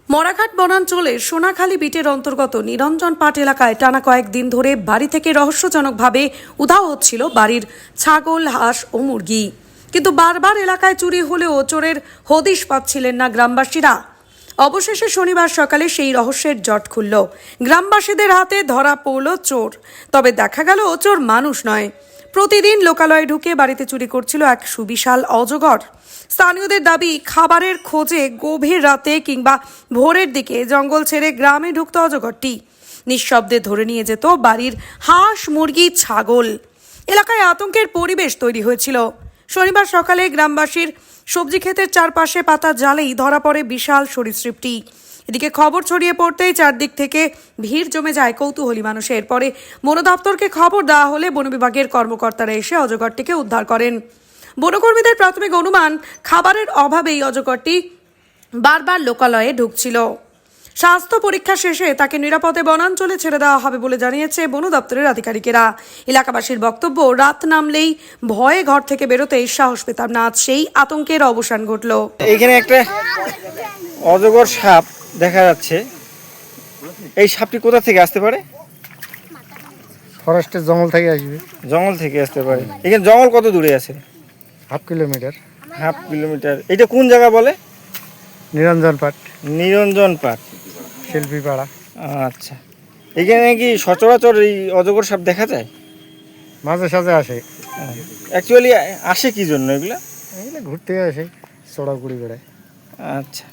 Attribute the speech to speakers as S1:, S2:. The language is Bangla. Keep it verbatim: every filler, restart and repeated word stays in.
S1: মরাঘাট বনাঞ্চলের সোনাখালী বিটের অন্তর্গত নিরঞ্জন পাট এলাকায় টানা কয়েকদিন ধরে বাড়ি থেকে রহস্যজনকভাবে উধাও হচ্ছিল বাড়ির ছাগল, হাঁস ও মুরগি। কিন্তু বারবার এলাকায় চুরি হলেও চোরের হদিশ পাচ্ছিলেন না গ্রামবাসীরা। অবশেষে শনিবার সকালে সেই রহস্যের জট খুলল। গ্রামবাসীদের হাতে ধরা পড়ল চোর। তবে দেখা গেল চোর মানুষ নয়, প্রতিদিন লোকালয়ে ঢুকে বাড়িতে চুরি করছিল এক সুবিশাল অজগর। স্থানীয়দের দাবি, খাবারের খোঁজে গভীর রাতে কিংবা ভোরের দিকে জঙ্গল ছেড়ে গ্রামে ঢুকত অজগরটি। নিঃশব্দে ধরে নিয়ে যেত বাড়ির হাঁস, মুরগি, ছাগল। এলাকায় আতঙ্কের পরিবেশ তৈরি হয়েছিল। শনিবার সকালে গ্রামবাসীর সবজি ক্ষেতের চারপাশে পাতা জালেই ধরা পড়ে বিশাল সরীসৃপটি। এদিকে খবর ছড়িয়ে পড়তেই চারদিক থেকে ভিড় জমে যায় কৌতূহলী মানুষের। পরে বন দপ্তরকে খবর দেওয়া হলে বন বিভাগের কর্মকর্তারা এসে অজগরটিকে উদ্ধার করেন। বনকর্মীদের প্রাথমিক অনুমান, খাবারের অভাবেই অজগরটি বারবার লোকালয়ে ঢুকছিল। স্বাস্থ্য পরীক্ষা শেষে তাকে নিরাপদে বনাঞ্চলে ছেড়ে দেওয়া হবে বলে জানিয়েছে বন দপ্তরের আধিকারিকেরা। এলাকাবাসীর বক্তব্য, রাত নামলেই ভয়ে ঘর থেকে বেরোতেই সাহস পেতাম না, আজ সেই আতঙ্কের অবসান ঘটল।
S2: এখানে একটা অজগর সাপ দেখা যাচ্ছে। এই সাপটি কোথা থেকে আসতে পারে?
S3: ফরেস্টের জঙ্গল থেকে আসবে।
S2: জঙ্গল থেকে আসতে পারে। এখানে জঙ্গল কত দূরে আছে?
S3: Half kilometre.
S2: Half kilometre. এটা কোন জায়গা বলে?
S3: নিরঞ্জন পাট,
S2: নিরঞ্জন পাট,
S3: শিল্পী পাড়া।
S2: আচ্ছা, এখানে কি সচরাচর এই অজগর সাপ দেখা যায়?
S3: মাঝে সাঝে আসে।
S2: অ্যাকচুয়ালি আসে কি জন্য এগুলা?
S3: এগুলো ঘুরতে আসে, চড়াগুড়ি বেড়ায়।
S2: আচ্ছা,